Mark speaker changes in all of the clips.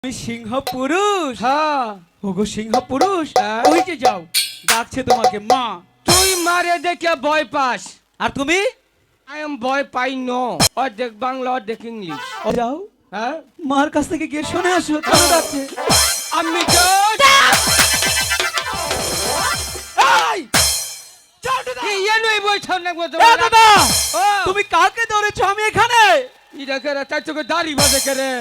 Speaker 1: তুমি সিংহ পুরুষ।
Speaker 2: হ্যাঁ
Speaker 1: ওগো সিংহ পুরুষ,
Speaker 2: হ্যাঁ।
Speaker 1: ওই যে যাও, ডাকছে তোমাকে মা।
Speaker 2: তুই মারে দেখে ভয় পাস,
Speaker 1: আর তুমি
Speaker 2: আই এম ভয় পাই নো। অর্ধেক বাংলা অর্ধেক ইংলিশ।
Speaker 1: যাও,
Speaker 2: হ্যাঁ
Speaker 1: মার কাছ থেকে গিয়ে শুনে আসো কেন ডাকছে।
Speaker 2: আমি তো
Speaker 1: দাদা, তুমি কাকে ধরেছো? আমি এখানে।
Speaker 2: তাই তোকে দাড়ি বাজে কেরে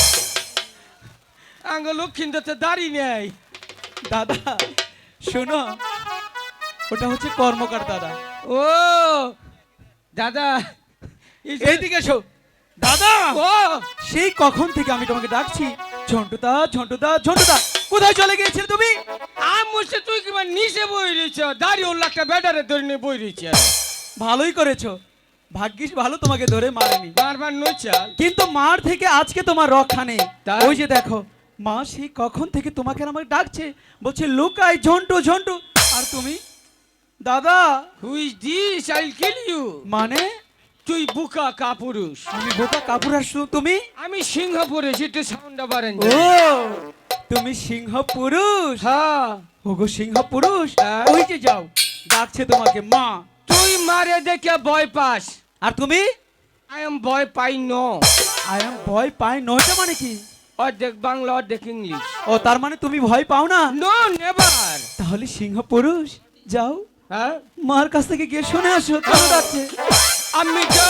Speaker 2: আঙ্গ লক্ষ্মীতে দাড়ি নেই।
Speaker 1: দাদা শোনো, ওটা হচ্ছে কর্মকার দাদা।
Speaker 2: ও দাদা
Speaker 1: এইদিকে এসো দাদা।
Speaker 2: ও
Speaker 1: সেই কখন থেকে আমি তোমাকে ডাকছি, ঝন্টুদা ঝন্টুদা ঝন্টুদা, কোথায় চলে গিয়েছিলে তুমি?
Speaker 2: আমছে তুই কি নিচে বই রয়েছ, দাড়ি ওর একটা ব্যাটারে ধরে নিয়ে বই রয়েছে।
Speaker 1: ভালোই করেছো, ভাগ্যিস ভালো তোমাকে ধরে মারেনি।
Speaker 2: বারবার নচাল,
Speaker 1: কিন্তু মার থেকে আজকে তোমার রক্ষা নেই।
Speaker 2: তাই?
Speaker 1: ওই যে দেখো, মা সেই কখন থেকে তোমাকে আর আমাকে ডাকছে, বলছে লুকাই ঝন্টু ঝন্টু। আর তুমি দাদা
Speaker 2: who is this, I will kill you.
Speaker 1: মানে
Speaker 2: তুই বুকা কাপুরুষ,
Speaker 1: আমি বোকা কাপুর। আর তুমি?
Speaker 2: আমি সিংহ পুরুষ। একটু সাউন্ডটা বাড়েন।
Speaker 1: ও তুমি সিংহ পুরুষ।
Speaker 2: হ্যাঁ
Speaker 1: ওগো সিংহ পুরুষ,
Speaker 2: হ্যাঁ।
Speaker 1: ওই যে যাও, ডাকছে তোমাকে মা।
Speaker 2: তুই মারে দেখে ভয় পাস,
Speaker 1: আর তুমি
Speaker 2: আই এম ভয় পাই নো।
Speaker 1: আই এম ভয় পাই নয়টা মানে কি?
Speaker 2: অর্ধেক বাংলা অর্ধেক ইংলিশ।
Speaker 1: ও তার মানে তুমি ভয় পাও না?
Speaker 2: No never.
Speaker 1: তাহলে সিংহ পুরুষ যাও,
Speaker 2: হ্যাঁ
Speaker 1: মার কাছ থেকে গিয়ে শুনে আসো কেন ডাকছে।
Speaker 2: আমি তো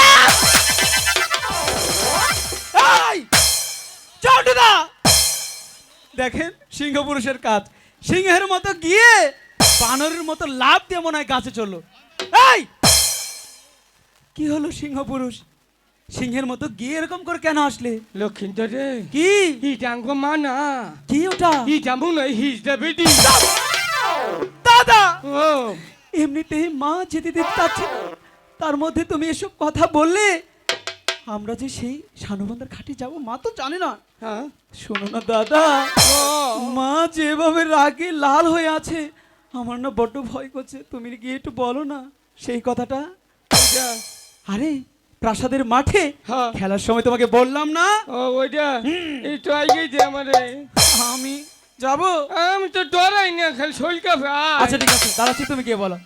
Speaker 1: ঝন্টুদা দেখেন সিংহ পুরুষের কাজ, সিংহের মতো গিয়ে বানরের মতো লাফ দিয়ে মনে হয় গাছে চললো। এই কি হলো সিংহ পুরুষ, সিংহের মতো গিয়ে এরকম করে কেন আসলে?
Speaker 2: লক্ষ্মীন্দর রে,
Speaker 1: কি
Speaker 2: ইটাঙ্গ মানা,
Speaker 1: কি ওটা?
Speaker 2: ইটা মনে হয় হিজ দ্য বেডি।
Speaker 1: দাদা
Speaker 2: ও
Speaker 1: এমনিতেই মা যেতে দিতে চাচ্ছে না, তার মধ্যে তুমি এসব কথা বললে। আমরা যে সেই শানুবন্ধার ঘাটে যাব, মা তো জানে না।
Speaker 2: হ্যাঁ
Speaker 1: শোনো না দাদা,
Speaker 2: ও
Speaker 1: মা যেভাবে রাগে লাল হয়ে আছে, আমার না বড্ড ভয় করছে। তুমি গিয়ে একটু বলো না সেই কথাটা।
Speaker 2: ওইটা,
Speaker 1: আরে প্রাসাদের মাঠে
Speaker 2: হ্যাঁ।
Speaker 1: খেলার সময় তোমাকে বললাম না
Speaker 2: ও ওইটা একটু আগে যে আমারে,
Speaker 1: আমি যাব?
Speaker 2: আমি তো ডরাই না, খালি শরীর কাঁপে।
Speaker 1: আচ্ছা ঠিক আছে দাঁড়াচ্ছি, তুমি গিয়ে বলো।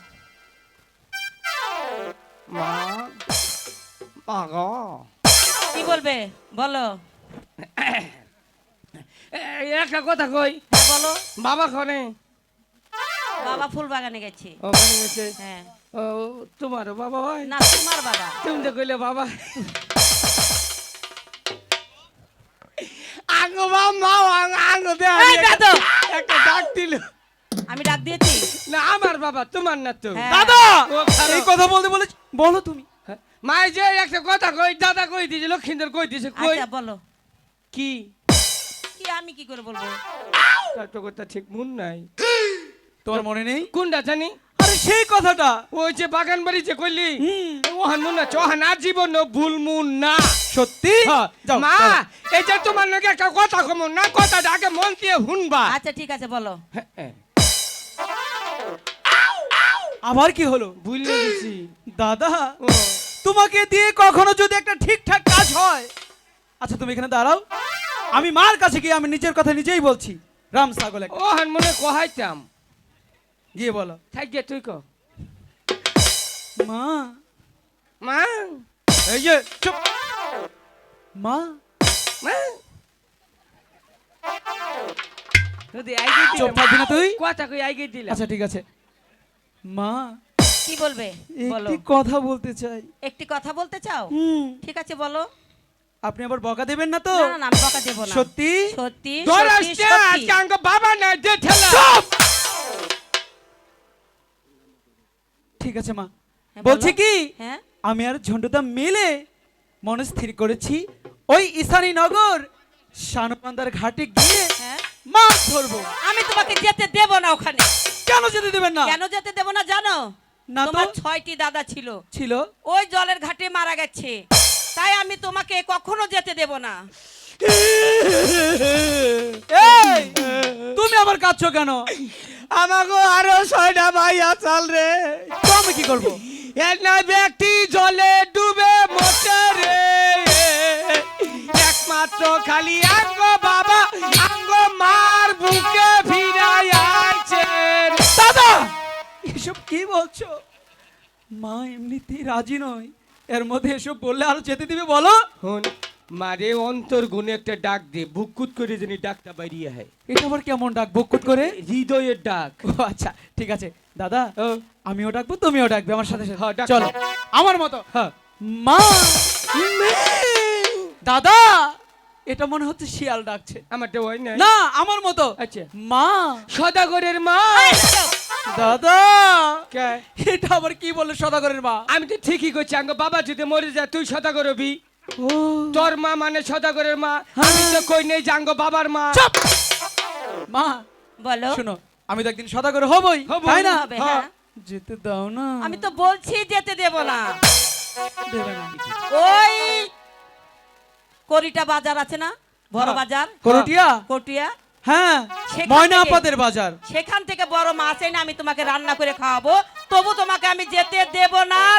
Speaker 2: মা মা গো,
Speaker 3: কি বলবে বলো।
Speaker 2: একটা কথা কই।
Speaker 3: হ্যাঁ বলো।
Speaker 2: বাবা খনে
Speaker 3: বাবা ফুল বাগানে গেছে।
Speaker 2: ওখানে গেছে।
Speaker 3: হ্যাঁ
Speaker 2: ও তোমারও বাবা হয়
Speaker 3: না, তোমার বাবা।
Speaker 2: তুমি তো কইলে বাবা। আঙ্গো মা আঙ্গো দে
Speaker 3: এই বেদো!
Speaker 2: একটা ডাক দিল।
Speaker 3: আমি ডাক দিয়েছি।
Speaker 2: না আমার বাবা, তোমার না তো।
Speaker 3: হ্যাঁ।
Speaker 1: দাদা
Speaker 2: ও খারাপ।
Speaker 1: এই কথা বলতে বলে বলো তুমি।
Speaker 2: মাই যে একটা কথা কই, দাদা কই দিছে, লক্ষিন্দর কই দিছে। কই
Speaker 3: আচ্ছা বলো।
Speaker 2: কি
Speaker 3: কি আমি কি করে বলবো?
Speaker 2: তার তো কথা ঠিক মন নাই।
Speaker 1: তোমার মনে নেই?
Speaker 2: কোনটা জানি?
Speaker 1: আরে সেই কথাটা।
Speaker 2: ওই যে বাগান বাড়ি যে কইলি,
Speaker 1: হুম।
Speaker 2: ওহান মন না, চহান আর জীবন ভুল মন না।
Speaker 1: সত্যি? যাও
Speaker 2: মা
Speaker 1: যাও।
Speaker 2: এই যে তোমার লগে একটা কথা কম না, কথাটা আগে মন দিয়ে শুনবা।
Speaker 3: আচ্ছা ঠিক আছে বলো।
Speaker 1: আবার কি হলো?
Speaker 2: ভুলে গেছি।
Speaker 1: দাদা
Speaker 2: ও
Speaker 1: তোমাকে দিয়ে কখনো যদি একটা ঠিকঠাক কাজ হয়। আচ্ছা তুমি এখানে দাঁড়াও, আমি মার কাছে গিয়ে আমি নিজের কথা নিজেই বলছি। রাম ছাগল একটা।
Speaker 2: ওহান মনে কহাইতাম।
Speaker 1: গিয়ে বলো।
Speaker 2: থাকিয়ে তুই ক।
Speaker 1: মা,
Speaker 2: মা
Speaker 1: এই যে চুপ। মা
Speaker 2: মা যদি আইগে দিলে,
Speaker 1: চুপ থাকবি না তুই?
Speaker 2: কথা কই আইগে দিলাম।
Speaker 1: আচ্ছা ঠিক আছে। মা
Speaker 3: কি বলবে বলো।
Speaker 1: একটি কথা বলতে চাই।
Speaker 3: একটি কথা বলতে চাও?
Speaker 1: হুম।
Speaker 3: ঠিক আছে বলো।
Speaker 1: আপনি আবার বকা দেবেন না তো?
Speaker 3: না না না, আমি বকা দেব না।
Speaker 1: সত্যি?
Speaker 3: সত্যি
Speaker 2: তোর
Speaker 3: সত্যি
Speaker 2: আসছে
Speaker 3: সত্যি।
Speaker 2: আজকে আঙ্গ বাবা না যে ঠেলা।
Speaker 1: ঠিক আছে মা।
Speaker 3: হ্যাঁ,
Speaker 1: বলছি
Speaker 3: বলো।
Speaker 1: কি,
Speaker 3: হ্যাঁ
Speaker 1: আমি আর ঝন্টুদা মিলে মনে স্থির করেছি ওই ঈশানী নগর শানুবান্ধার ঘাটে গিয়ে
Speaker 3: হ্যাঁ।
Speaker 1: মাছ ধরবো।
Speaker 3: আমি তোমাকে যেতে দেব না ওখানে।
Speaker 1: কেন যেতে দেবেন না?
Speaker 3: কেন যেতে দেব না জানো?
Speaker 1: না তো।
Speaker 3: তোমার 6টি দাদা ছিল,
Speaker 1: ছিল।
Speaker 3: ওই জলের ঘাটে মারা গেছে, তাই আমি তোমাকে কখনো যেতে দেব না।
Speaker 1: এই তুমি আবার কাঁদছো কেন?
Speaker 2: আমাগো আরো 6টা ভাই আছাল রে।
Speaker 1: তো আমি কি করবো?
Speaker 2: একটা ব্যক্তি জলে ডুবে মরছে রে। এক মাস মাত্র খালি আঙ্গ বাবা আঙ্গ মার বুকে ফিরাই আইছেন।
Speaker 1: দাদা এসব কি বলছো? মা এমনিতেই রাজি নয়, এর মধ্যে এসব বললে আর যেতে দিবে বলো?
Speaker 2: হন মারে অন্তর গুনে একটা ডাক দে, বুকুত করে জানি ডাকটা বাইরিয়ে হয়।
Speaker 1: এটা আবার কেমন ডাক, বকুত করে?
Speaker 2: হৃদয়ের ডাক।
Speaker 1: ও আচ্ছা ঠিক আছে দাদা,
Speaker 2: ও,
Speaker 1: আমিও ডাকবো তুমিও ডাকবে আমার সাথে সাথে।
Speaker 2: হ্যাঁ, ডাকো।
Speaker 1: চলো আমার মতো।
Speaker 2: হ্যাঁ।
Speaker 1: মা। দাদা এটা মনে হচ্ছে শিয়াল ডাকছে।
Speaker 2: আমারটা হয় না।
Speaker 1: না আমার মতো।
Speaker 2: আচ্ছা।
Speaker 1: মা।
Speaker 2: সদাগরের মা।
Speaker 1: দাদা
Speaker 2: কে?
Speaker 1: এটা আবার কি বললে সদাগরের মা?
Speaker 2: আমি তো ঠিকই করছি, আঙ্গ বাবা যদি মরে যায় তুই সদাগর হবি।
Speaker 1: ও
Speaker 2: তোর মা মানে সদাগরের মা, আমি তো কই নেই যে আঙ্গ বাবার মা।
Speaker 1: চুপ! মা
Speaker 3: বলো।
Speaker 1: শোনো, আমি তো একদিন সদাগর হবই,
Speaker 2: হবো।
Speaker 1: তাই না?
Speaker 3: হবে, হ্যাঁ।
Speaker 1: যেতে দাও না।
Speaker 3: আমি তো বলছি যেতে দেব না।
Speaker 1: দেবে না।
Speaker 3: ওই করিটা বাজার আছে না, বড়
Speaker 2: হ্যাঁ।
Speaker 3: বাজার,
Speaker 1: করটিয়া?
Speaker 3: কটিয়া,
Speaker 1: হ্যাঁ
Speaker 3: সেখান
Speaker 1: ময়না
Speaker 3: থেকে-
Speaker 1: আপাদের বাজার।
Speaker 3: সেখান থেকে বড় মাছ এনে আমি তোমাকে রান্না করে খাওয়াবো, তবু তোমাকে আমি যেতে দেব না।